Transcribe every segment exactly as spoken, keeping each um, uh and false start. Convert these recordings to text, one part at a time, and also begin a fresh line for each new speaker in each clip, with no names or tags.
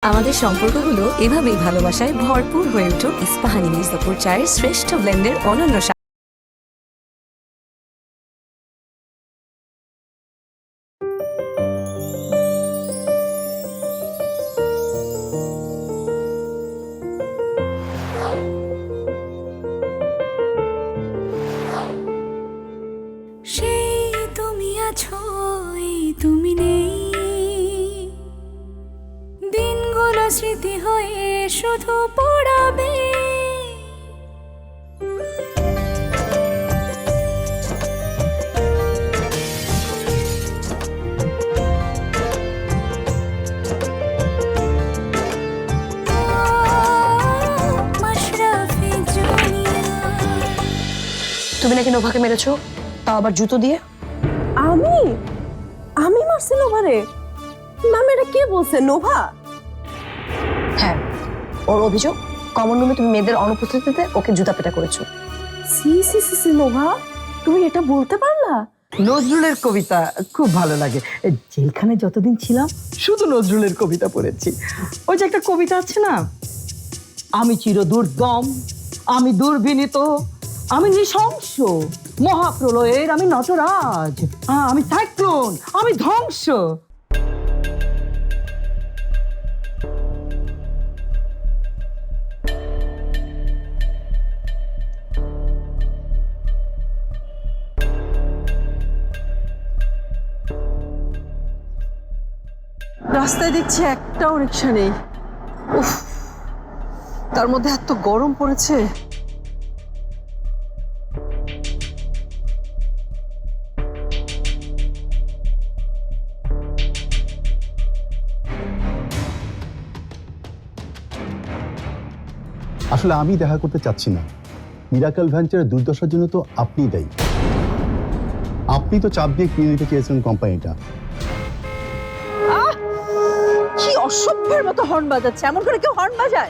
আমাদের সম্পর্কগুলো এভাবেই ভালোবাসায় ভরপুর হয়ে উঠুক ইস্পাহানি মির্জাপুর চায়ের শ্রেষ্ঠ ব্লেন্ডের অনন্য স্বাদ।
সেই তুমি আছো, এই তুমি নেই, দিনগুলো স্মৃতি হয়ে শুধু পড়াবে। মাশরাফি জুনিয়া।
তুমি নাকি নোভাকে মেরেছো, তাও আবার জুতো দিয়ে।
আমি আমি মারছি নোভারে? নাম এটা কে বলছে? নোভা?
হ্যাঁ, ওর অভিযোগ কমন রুমে তুমি মেয়েদের অনুপস্থিতিতে ওকে জুতা পেটা করেছো।
সি সি সি সি নোভা, তুমি এটা বলতে পারলা?
নজরুলের কবিতা খুব ভালো লাগে। জেলখানে যতদিন ছিলাম শুধু নজরুলের কবিতা পড়েছি। ওই যে একটা কবিতা আছে না, আমি চির দুর্দম, আমি দুর্বিনীত, আমি নৃশংস, মহাপ্রলয়ের আমি নটরাজ, আহ, আমি সাইক্লোন, আমি ধ্বংস।
রাস্তায় দেখছি একটাও রিক্সা নেই। উফ, তার মধ্যে এত গরম পড়েছে।
আসলে আমি দেখা করতে চাচ্ছি না। মিরাকল ভেঞ্চারের দুর্দশার জন্য তো আপনিই দায়ী। আপনি তো চাপ দিয়ে কিনে নিতে চেয়েছিলেন কোম্পানিটা।
কি অসভ্যের মতো হর্ন বাজাচ্ছে! এমন করে কেউ হর্ন বাজায়?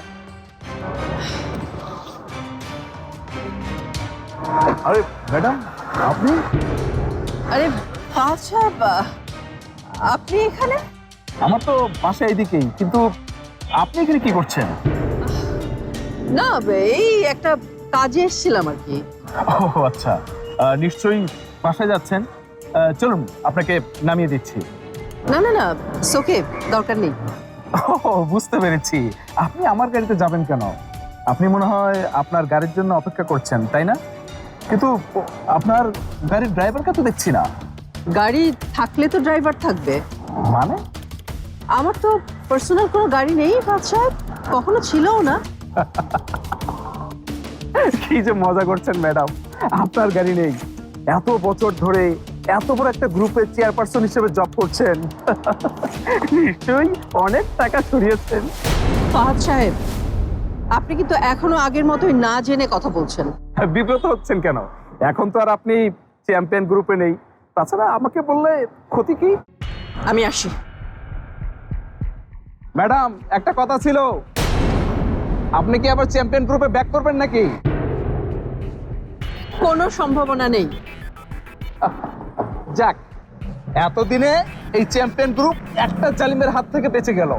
আরে ম্যাডাম, আপনি?
আরে ফাহাদ সাহেব, আপনি এখানে?
আমার তো বাসা এইদিকেই, কিন্তু আপনি এখানে কি করছেন?
না, এই একটা কাজে এসেছিলাম আর কি।
ও আচ্ছা, আহ, নিশ্চয়ই বাসায় যাচ্ছেন। আহ, চলুন আপনাকে নামিয়ে দিচ্ছি।
না না না, সোকে, দরকার নেই।
ও বুঝতে পেরেছি, আপনি আমার গাড়িতে যাবেন কেন? আপনি মনে হয় আপনার গাড়ির জন্য অপেক্ষা করছেন, তাই না? কিন্তু আপনার গাড়ির ড্রাইভারকে তো দেখছি না।
গাড়ি থাকলে তো ড্রাইভার থাকবে।
মানে?
আমার তো পার্সোনাল কোনো গাড়ি নেই ফাহাদ সাহেব, কখনো ছিলও না।
কি যে মজা করছেন ম্যাডাম, আপনার গাড়ি নেই? এত বছর ধরে এত বড় একটা গ্রুপের চেয়ারপারসন হিসেবে জব করছেন, নিশ্চয়ই অনেক টাকা ছড়িয়েছেন।
ফাহাদ সাহেব, আপনি কিন্তু এখনো আগের মতোই না জেনে কথা বলছেন।
বিব্রত হচ্ছেন কেন? এখন তো আর আপনি চ্যাম্পিয়ন গ্রুপে নেই। তাছাড়া আমাকে বললে ক্ষতি কি?
আমি আসি।
ম্যাডাম, একটা কথা ছিল, আপনি কি আবার চ্যাম্পিয়ন গ্রুপে ব্যাক করবেন নাকি?
কোনো সম্ভাবনা নেই।
যাক, এতদিনে এই চ্যাম্পিয়ন গ্রুপ একটা জালিমের হাত থেকে বেঁচে গেল।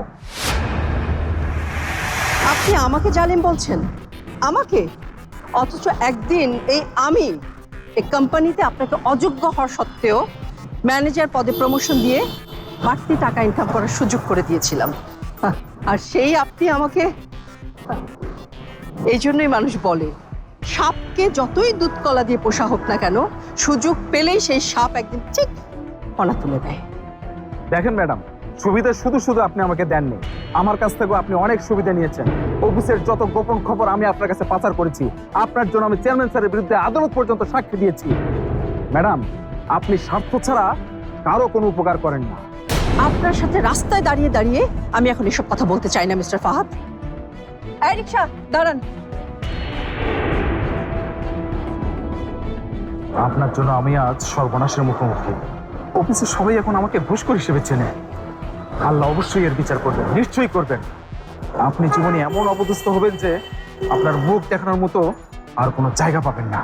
আপনি আমাকে জালিম বলছেন? আমাকে? অথচ একদিন এই আমি এই কোম্পানিতে আপনাকে অযোগ্য হওয়ার সত্ত্বেও ম্যানেজার পদে প্রমোশন দিয়ে বাড়তি টাকা ইনকাম করার সুযোগ করে দিয়েছিলাম। আর সেই আপনি আমাকে, এই জন্যই মানুষ বলে সাপকে যতই দুধ কলা দিয়ে পোষা হোক না কেন, সুযোগ পেলেই সেই সাপ একদিন ঠিক ফনা তুলে দেয়।
দেখেন ম্যাডাম, সুবিধা শুধু শুধু আপনি আমাকে দেননি, আমার কাছ থেকেও আপনি অনেক সুবিধা নিয়েছেন। অফিসের যত গোপন খবর আমি আপনার কাছে পাচার করেছি। আপনার জন্য আমি চেয়ারম্যান স্যারের বিরুদ্ধে আদালত পর্যন্ত সাক্ষী দিয়েছি। ম্যাডাম, আপনি স্বার্থ ছাড়া কারো কোনো উপকার করেন না।
আপনার সাথে রাস্তায় দাঁড়িয়ে দাঁড়িয়ে আমি এখন এসব কথা বলতে চাই না মিস্টার ফাহাদ। এই রিকশা, দাঁড়ান।
আপনার জন্য আমি আজ সর্বনাশের মুখোমুখি। অফিসে সবাই এখন আমাকে ঘুষখোর হিসেবে চেনে। আল্লাহ অবশ্যই এর বিচার করবেন, নিশ্চয়ই করবেন। আপনি জীবনে এমন অপদস্থ হবেন যে আপনার মুখ দেখানোর মতো আর কোনো জায়গা পাবেন না।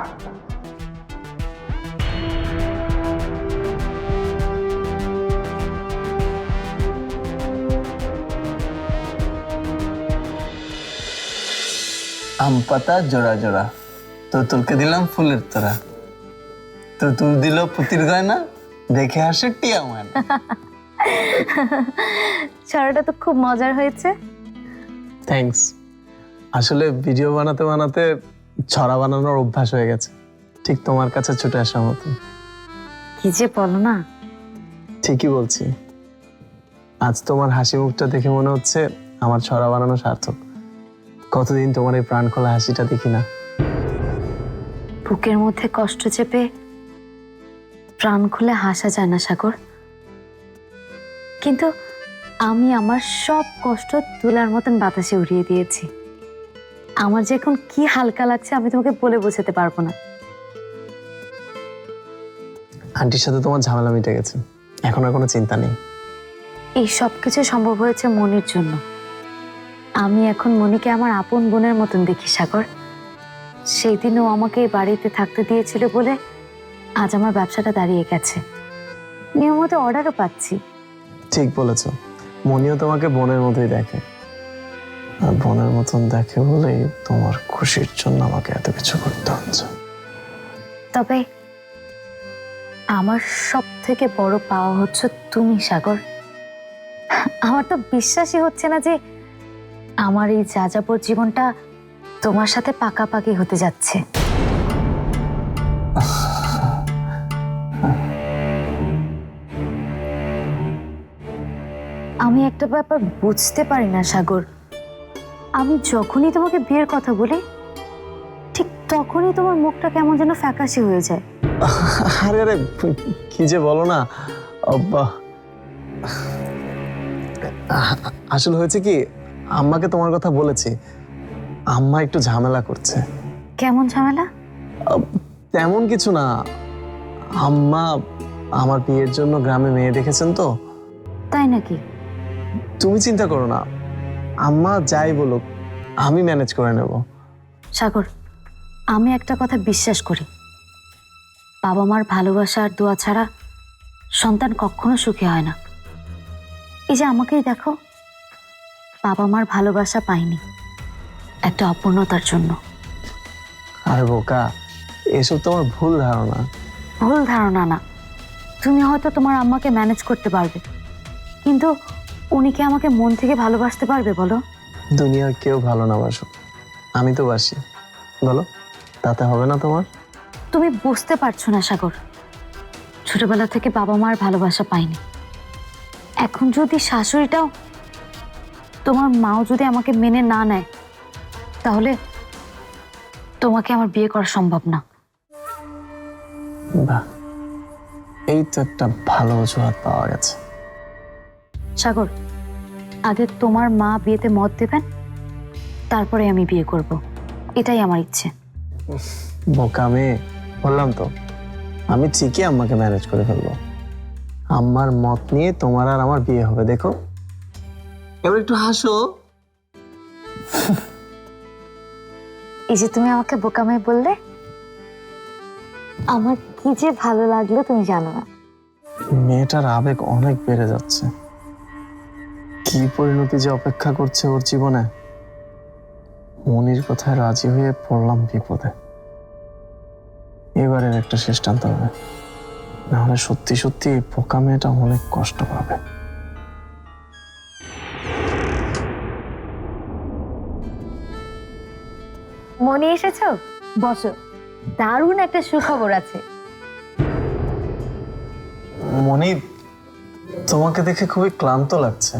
আম পাতা জোড়া জোড়া, তো তুলকে দিলাম ফুলের তোরা, তো তুল দিল পুতির গয়না, দেখে আসে টিয়া ময়না।
ছড়াটা তো খুব মজার হয়েছে।
থ্যাঙ্কস। আসলে ভিডিও বানাতে বানাতে ছড়া বানানোর অভ্যাস হয়ে গেছে, ঠিক তোমার কাছে ছুটে আসার মতো।
কি যে বলো না।
ঠিকই বলছি। আজ তোমার হাসি মুখটা দেখে মনে হচ্ছে আমার ছড়া বানানো সার্থক। কতদিন তোমার এই প্রাণ খোলা হাসিটা দেখি না।
বুকের মধ্যে কষ্ট চেপে প্রাণ খুলে হাসা যায় না সাগর, কিন্তু আমি আমার সব কষ্ট তুলার মতন বাতাসে উড়িয়ে দিয়েছি। আমার যে এখন কি হালকা লাগছে আমি তোমাকে বলে বোঝাতে পারবো না।
আন্টির সাথে তোমার ঝামেলা মিটে গেছে, এখন আর কোনো চিন্তা নেই।
এই সব কিছু সম্ভব হয়েছে মনির জন্য। আমি এখন মনিকে আমার আপন বোনের মতন দেখি সাগর। সেই দিন ও আমাকে এই বাড়িতে থাকতে দিয়েছিল বলে আজ আমার ব্যবসাটা দাঁড়িয়ে গেছে, নিয়মিত অর্ডারও পাচ্ছি।
ঠিক বলেছো, মনিও তোমাকে বোনের মতোই দেখে, আর বোনের মতন দেখে বলেই তোমার খুশির জন্য আমাকে এত কিছু করতে হচ্ছে।
তবে আমার সব থেকে বড় পাওয়া হচ্ছে তুমি সাগর। আমার তো বিশ্বাসই হচ্ছে না যে আমার এই যাযাবর জীবনটা তোমার সাথে পাকাপাকি হতে যাচ্ছে। আমি একটা ব্যাপার বুঝতে পারি না সাগর, আমি যখনই তোমাকে বিয়ের কথা বলি ঠিক তখনই তোমার মুখটা কেমন যেন ফ্যাকাশে হয়ে যায়।
আরে আরে কি যে বলো না। আব্বা, আসলে হয়েছে কি, আম্মাকে তোমার কথা বলেছি, আম্মা একটু ঝামেলা করছে।
কেমন ঝামেলা?
তেমন কিছু না, আম্মা আমার বিয়ের জন্য গ্রামে মেয়ে দেখেছেন তো।
তাই নাকি?
তুমি চিন্তা করো না, আম্মা যাই বলুক আমি ম্যানেজ করে নেব।
সাগর, আমি একটা কথা বিশ্বাস করি, বাবা মার ভালোবাসা আর দোয়া ছাড়া সন্তান কখনো সুখী হয় না। এই যে আমাকেই দেখো, বাবা মার ভালোবাসা পাইনি একটা অপূর্ণতার জন্য।
আর বোকা, এসব তোমার ভুল ধারণা।
ভুল ধারণা না, তুমি হয়তো তোমার আম্মাকে ম্যানেজ করতে পারবে, কিন্তু উনি কি আমাকে মন থেকে ভালোবাসতে পারবে বলো?
দুনিয়ার কেউ ভালো না বাসুক, আমি তো বাসি, বলো তাতে হবে না তোমার?
তুমি বুঝতে পারছো না সাগর, ছোটবেলা থেকে বাবা মার ভালোবাসা পাইনি। এখন যদি শাশুড়িটাও, তোমার মাও যদি আমাকে মেনে না নেয়, তাহলে তোমাকে আমার বিয়ে করা সম্ভব না।
বাহ, এই তো একটা ভালো অজুহাত পাওয়া গেছে।
সাগর, আগে তোমার মা বিয়েতে মত দেবেন, তারপরে আমি বিয়ে করব, এটাই আমার ইচ্ছে।
বোকা মেয়ে, বললাম তো আমি ঠিকই আম্মাকে ম্যানেজ করে ফেলবো। আম্মার মত নিয়ে তোমার আর আমার বিয়ে হবে, দেখো। এবার একটু হাসো।
এই যে তুমি আমাকে বোকা মেয়ে বললে, আমার কি যে ভালো লাগলো তুমি জানো না।
মেয়েটার আবেগ অনেক বেড়ে যাচ্ছে, কি পরিণতি যে অপেক্ষা করছে ওর জীবনে। মনির কথায় রাজি হয়ে পড়লাম বিপদে, এবারের একটা শেষ টানতে হবে, নাহলে সত্যি সত্যি এই পোকা মেয়েটা অনেক কষ্ট পাবে।
মনি এসেছো? বসো, দারুণ একটা সুখবর আছে।
মনি, তোমাকে দেখে খুবই ক্লান্ত লাগছে।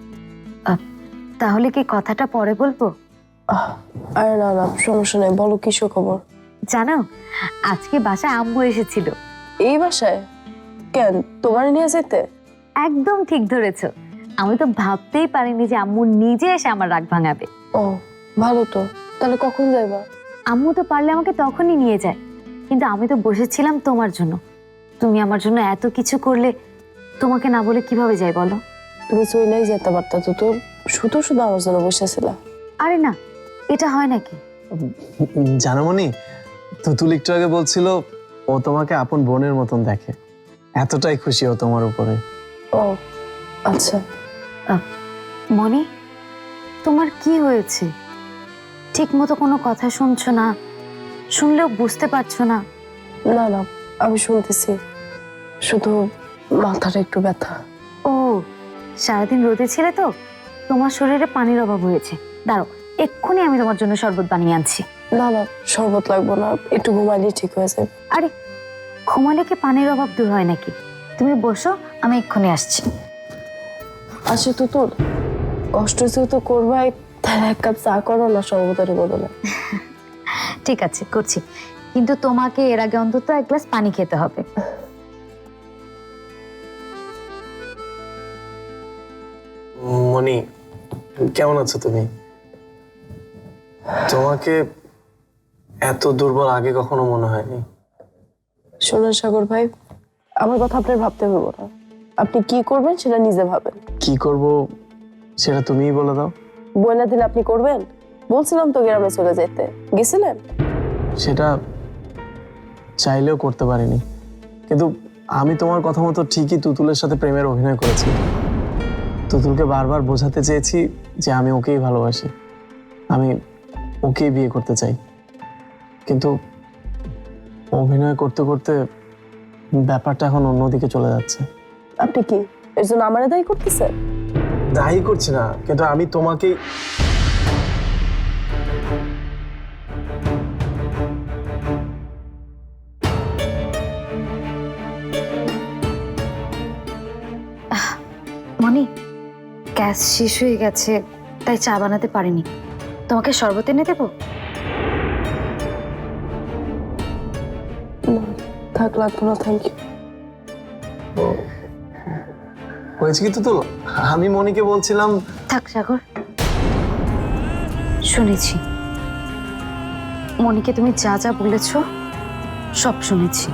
তাহলে কি কথাটা পরে বলবো?
আরে না না, সমস্যা নেই, বলো কি খবর।
জানো, আজকে বাসায় আম্মু এসেছিল।
এই বাসায়? কেন, তোমার নিয়ে যেতে?
একদম ঠিক ধরেছো, আমি তো ভাবতেই পারিনি যে আম্মু নিজে এসে আমার রাগ ভাঙাবে।
ও ভালো তো, তাহলে কখন যাইবা?
আম্মু তো পারলে আমাকে তখনই নিয়ে যায়, কিন্তু আমি তো বসেছিলাম তোমার জন্য। তুমি আমার জন্য এত কিছু করলে, তোমাকে না বলে কিভাবে যাই বলো?
তুমি চইলাই যেতে পারতা তো, তোর শুধু শুধু আমার জন্য বসেছিলা।
আরে না, এটা হয় নাকি?
জানো মনি, তুতুল একটু আগে বলছিল ও তোমাকে আপন বোনের মতন দেখে, এতটাই খুশি ও তোমার উপরে।
ও আচ্ছা।
মনি, তোমার কি হয়েছে? ঠিক মতো কোনো কথা শুনছো না, শুনলেও বুঝতে পারছো না।
না না, আমি শুনতেছি, শুধু মাথাটা একটু ব্যথা।
ও, সারাদিন রোদে ছিলে তো, তোমার শরীরে পানির অভাব হয়েছে। দাঁড়াও, এক্ষুনি আমি তোমার জন্য শরবত বানিয়ে আনছি।
না না, শরবত লাগবো না, একটু ঘুমাইলেই ঠিক হয়ে যাবে।
আরে, ঘুমালে কি পানির অভাব দূর হয় নাকি? তুমি বসো, আমি এক্ষুনি আসছি।
আচ্ছা তুতুল, কষ্ট যেহেতু করবাই, তাহলে এক কাপ চা করো না শরবতের বদলে।
ঠিক আছে, করছি, কিন্তু তোমাকে এর আগে অন্তত এক গ্লাস পানি খেতে হবে।
মনি, কেমন আছো তুমি? তোমাকে এত দুর্বল আগে কখনো মনে হয়নি।
শোনেন সাগর ভাই, আমার কথা আপনার ভাবতে হইব না। আপনি কি করবেন সেটা নিজে ভাবেন।
কি করব সেটা তুমিই বলে দাও।
বইলা দিলে আপনি করবেন? বলছিলাম তো গ্রামে চলে যেতে, গেছিলেন?
সেটা চাইলেও করতে পারিনি, কিন্তু আমি তোমার কথা মতো ঠিকই তুতুলের সাথে প্রেমের অভিনয় করেছি। তুতুলকে বারবার বোঝাতে চেয়েছি যে আমি ওকেই ভালোবাসি, আমি ওকেই বিয়ে করতে চাই, কিন্তু অভিনয় করতে করতে ব্যাপারটা এখন অন্যদিকে চলে যাচ্ছে।
আপনি কি এর জন্য আমারে দায়ী করতেছেন?
দায়ী করছি না, কিন্তু আমি তোমাকেই
মনি, গ্যাস শেষ হয়ে গেছে, তাই চা বানাতে পারিনি। তোমাকে শরবত এনে দেবো?
না, থাক, লাগবো না, থ্যাংক ইউ।
হয়েছে কি তুতুল, আমি মনিকে বলছিলাম।
থাক সাগর, শুনেছি মনিকে তুমি যা যা বলেছ সব শুনেছি।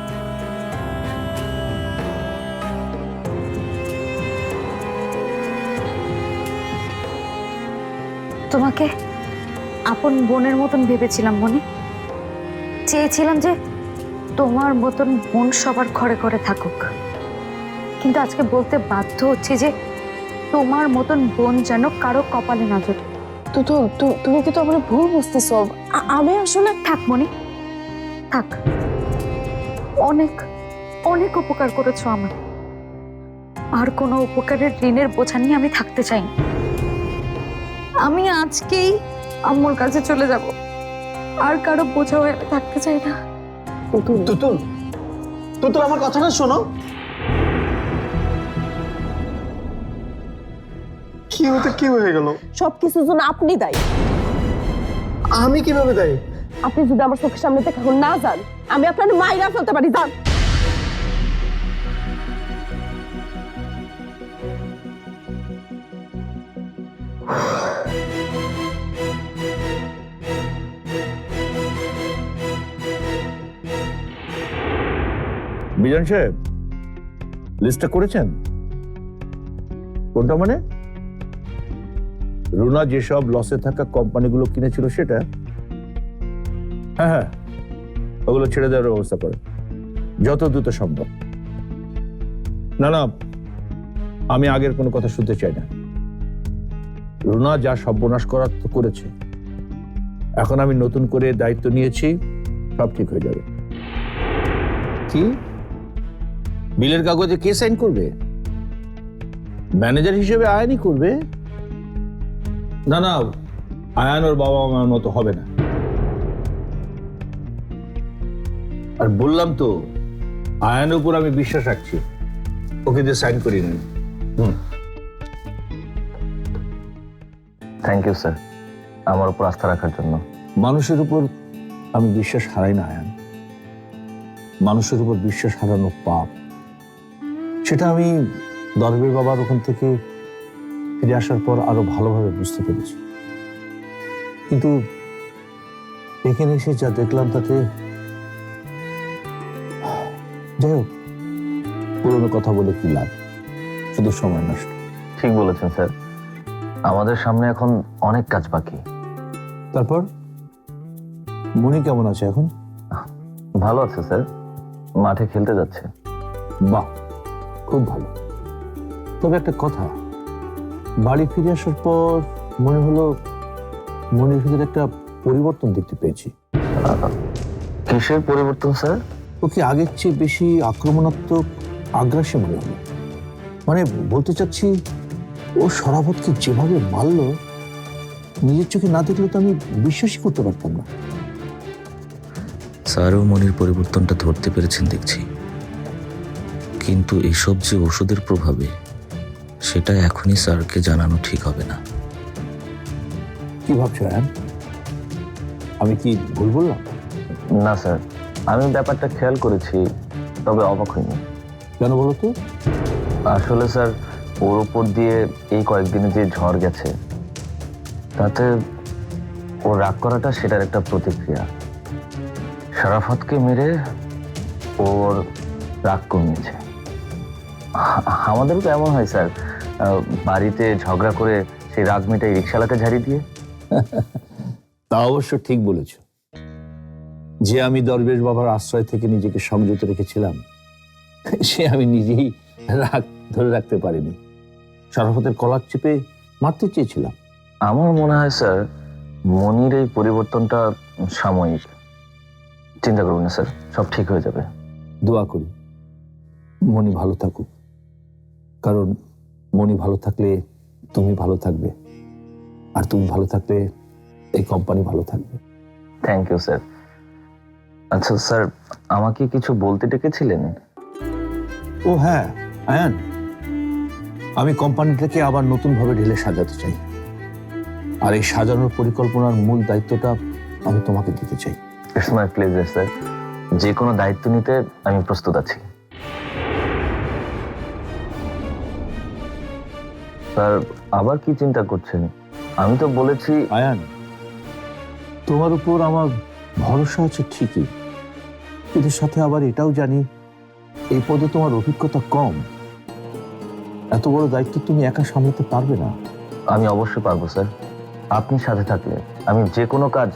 তোমাকে আপন বোনের মতন ভেবেছিলাম মনি, চেয়েছিলাম যে তোমার মতন বোন সবার ঘরে ঘরে থাকুক, কিন্তু আজকে বলতে বাধ্য হচ্ছে যে তোমার মতন বোন যেন কারো কপালে না জোটে।
তুতুল, তু- তুমি কি তো আমার ভুল বুঝতেছো। আ- আমি আসলে
থাক মনি, থাক, অনেক অনেক উপকার করেছো আমার, আর কোনো উপকারের ঋণের বোঝা নিয়ে আমি থাকতে চাই না। আমি আজকেই আম্মুর কাছে চলে যাব, আর কারো বোঝা হয়ে আমি থাকতে চাই না।
তুতুল তুতুল তুতুল আমার কথাটা শোনো। কি হতে কি হয়ে গেল?
সবকিছুর জন্য আপনি দায়ী।
আমি কিভাবে দায়ী?
আপনি যদি আমার চোখের সামনে থেকে এখন না যান, আমি আপনার মাইরা ফেলতে পারি। যান।
বিজন সাহেব, লিস্টটা করেছেন? কোনটা মানে? রুনা যেসব লসে থাকা কোম্পানিগুলো কিনেছিল সেটা? হ্যাঁ হ্যাঁ, ওগুলো ছেড়ে দেওয়ার ব্যবস্থা করে যত দ্রুত সম্ভব। না না, আমি আগের কোনো কথা শুনতে চাই না। রুনা যা সর্বনাশ করার তো করেছে, এখন আমি নতুন করে দায়িত্ব নিয়েছি, সব ঠিক হয়ে যাবে। কি বিলের কাগজে কে সাইন করবে? ম্যানেজার হিসেবে আয়ানই করবে? না না, আয়ান ওর বাবা মার মতো হবে না। আর বললাম তো, আয়ানের উপর আমি বিশ্বাস রাখছি, ওকে দিয়ে সাইন করিয়ে নেন। হুম,
থ্যাংক ইউ স্যার, আমার উপর আস্থা রাখার জন্য।
মানুষের উপর আমি বিশ্বাস হারাই না আয়ান। মানুষের উপর বিশ্বাস হারানো পাপ, সেটা আমি দরবের বাবার ওখান থেকে ফিরে আসার পর আরো ভালোভাবে বুঝতে পেরেছি। কিন্তু এখানে এসে যা দেখলাম তাতে, যাই হোক, পুরোনো কথা বলে কি লাভ, শুধু সময় নষ্ট।
ঠিক বলেছেন স্যার, আমাদের সামনে এখন অনেক কাজ বাকি।
তারপর মনি কেমন আছে এখন?
ভালো আছে স্যার, মাঠে খেলতে যাচ্ছে।
বাহ, খুব ভালো। তবে একটা কথা, বাড়ি ফিরে আসার পর মনে হলো মনের ভিতরে একটা পরিবর্তন দেখতে পেয়েছি।
কিসের পরিবর্তন স্যার?
ওকে আগের চেয়ে বেশি আক্রমণাত্মক, আগ্রাসী মনে হলো। মানে বলতে চাচ্ছি, ও সরাবতকে যেভাবে মারল, নিজের চোখে না দেখলে তো আমি বিশ্বাসই করতে পারতাম না।
স্যারও মনির পরিবর্তনটা ধরতে পেরেছেন দেখছি, কিন্তু এসব যে ওষুধের প্রভাবে, সেটা এখনই স্যারকে জানানো ঠিক হবে না।
কি ভাবছো আয়ান? আমি কি ভুল বললাম?
না স্যার, আমি ব্যাপারটা খেয়াল করেছি, তবে অবাক হইনি।
কেন বলো তো?
আসলে স্যার, ওর উপর দিয়ে এই কয়েকদিনে যে ঝড় গেছে, তাতে ও রাগ করাটা সেটার একটা প্রতিক্রিয়া। শরাফতকে মেরে ওর রাগ কমিয়েছে। আ- আমাদেরও তো এমন হয় স্যার, আহ, বাড়িতে ঝগড়া করে সেই রাগ মেটাই রিক্সাওয়ালাকে ঝাড়ি দিয়ে।
তা অবশ্য ঠিক বলেছ। যে আমি দরবেশ বাবার আশ্রয় থেকে নিজেকে সংযত রেখেছিলাম, সে আমি নিজেই রাগ ধরে রাখতে পারিনি। শরাফতের কলার চেপে মারতে চেয়েছিলাম।
আমার মনে হয় স্যার, মনির এই পরিবর্তনটা সাময়িক। চিন্তা করবেন না স্যার, সব ঠিক হয়ে যাবে।
দোয়া করি মনি ভালো থাকুক, কারণ মনি ভালো থাকলে তুমি ভালো থাকবে, আর তুমি ভালো থাকলে এই কোম্পানি ভালো থাকবে।
Thank you sir. আচ্ছা স্যার, আমাকে কিছু বলতে ডেকেছিলেন?
ও হ্যাঁ আয়ান, আমি কোম্পানিটাকে আবার নতুন ভাবে ঢেলে সাজাতে চাই, আর এই সাজানোর পরিকল্পনার মূল দায়িত্বটা আমি তোমাকে দিতে চাই।
ইটস মাই প্লেজার স্যার, যে কোনো দায়িত্ব নিতে আমি প্রস্তুত আছি। স্যার, আবার কি চিন্তা করছেন? আমি তো বলেছি।
আয়ান, তোমার উপর আমার ভরসা আছে ঠিকই, কিন্তু সাথে আবার এটাও জানি এই পদে তোমার অভিজ্ঞতা কম। এত বড় দায়িত্ব তুমি একা সামলাতে পারবে না।
আমি অবশ্যই পারবো স্যার, আপনি সাথে থাকলে আমি যে কোনো কাজ।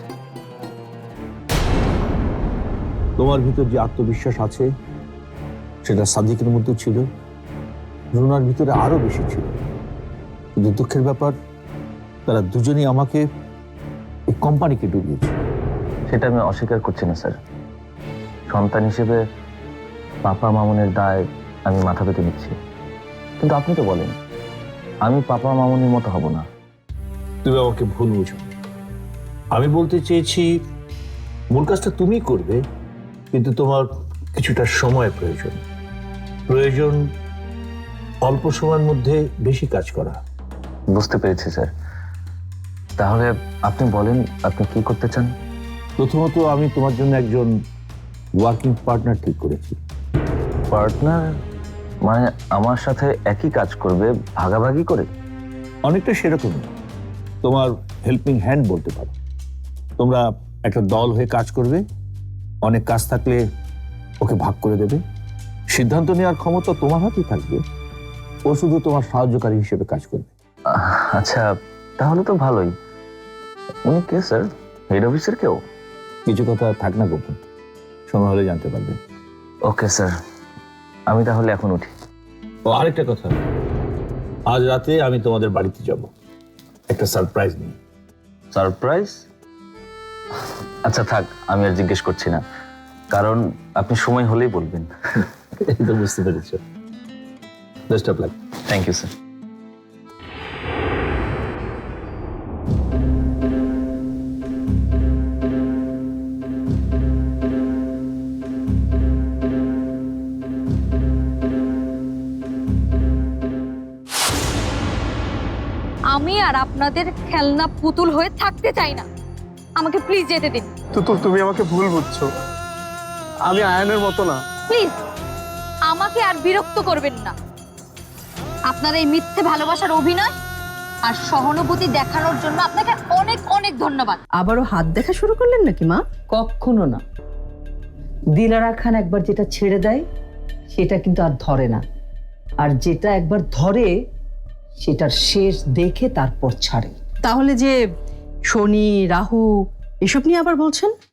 তোমার ভিতর যে আত্মবিশ্বাস আছে, সেটা সাদিকের মধ্যে ছিল, রুনার ভিতরে আরো বেশি ছিল। কিন্তু দুঃখের ব্যাপার, তারা দুজনেই আমাকে এই কোম্পানিকে ডুবিয়েছে।
সেটা আমি অস্বীকার করছি না স্যার। সন্তান হিসেবে পাপা মামুনের দায় আমি মাথা পেতে নিচ্ছি, কিন্তু আপনি তো বলেন আমি পাপা মামুনের মতো হব না।
তুমি আমাকে ভুল বুঝো। আমি বলতে চেয়েছি, মূল কাজটা তুমি করবে, কিন্তু তোমার কিছুটা সময় প্রয়োজন। প্রয়োজন অল্প সময়ের মধ্যে বেশি কাজ করা।
বুঝতে পেরেছি স্যার। তাহলে আপনি বলেন, আপনি কি করতে চান?
প্রথমত, আমি তোমার জন্য একজন ওয়ার্কিং পার্টনার ঠিক করেছি।
পার্টনার মানে আমার সাথে একই কাজ করবে, ভাগাভাগি করে?
অনেকটা সেরকম, তোমার হেল্পিং হ্যান্ড বলতে পারো। তোমরা একটা দল হয়ে কাজ করবে, অনেক কাজ থাকলে ওকে ভাগ করে দেবে। সিদ্ধান্ত নেওয়ার ক্ষমতা তোমার হাতেই থাকবে, ও শুধু তোমার সাহায্যকারী হিসেবে কাজ করবে।
আচ্ছা, তাহলে তো ভালোই। উনি কে স্যার? হেড অফিসের কেউ?
কিছু কথা থাক না গোপন, সময় হলে জানতে পারবে।
ওকে স্যার, আমি তাহলে এখন উঠি।
ও আরেকটা কথা, আজ রাতে আমি তোমাদের বাড়িতে যাব একটা সারপ্রাইজ নিয়ে।
সারপ্রাইজ? আচ্ছা থাক, আমি আর জিজ্ঞেস করছি না, কারণ আপনি সময় হলেই বলবেন।
এই তো বুঝতে পেরেছ। Best of luck.
Thank you sir.
আমি আর আপনাদের খেলনা পুতুল হয়ে থাকতে চাই না। আমাকে প্লিজ যেতে দিন।
তুতুল, তুমি আমাকে ভুল বুঝছো। আমি আয়ানের মতো না।
প্লিজ আমাকে আর বিরক্ত করবেন না। আপনার এই মিথ্যে ভালোবাসার অভিনয় আর সহানুভূতি দেখানোর জন্য আপনাকে অনেক অনেক ধন্যবাদ।
আবারও হাত দেখা শুরু করলেন নাকি মা?
কখনো না। দিলারা খান একবার যেটা ছেড়ে দেয়, সেটা কিন্তু আর ধরে না, আর যেটা একবার ধরে সেটার শেষ দেখে তারপর ছাড়ে।
তাহলে যে শনি রাহু এসব নিয়ে আবার বলছেন?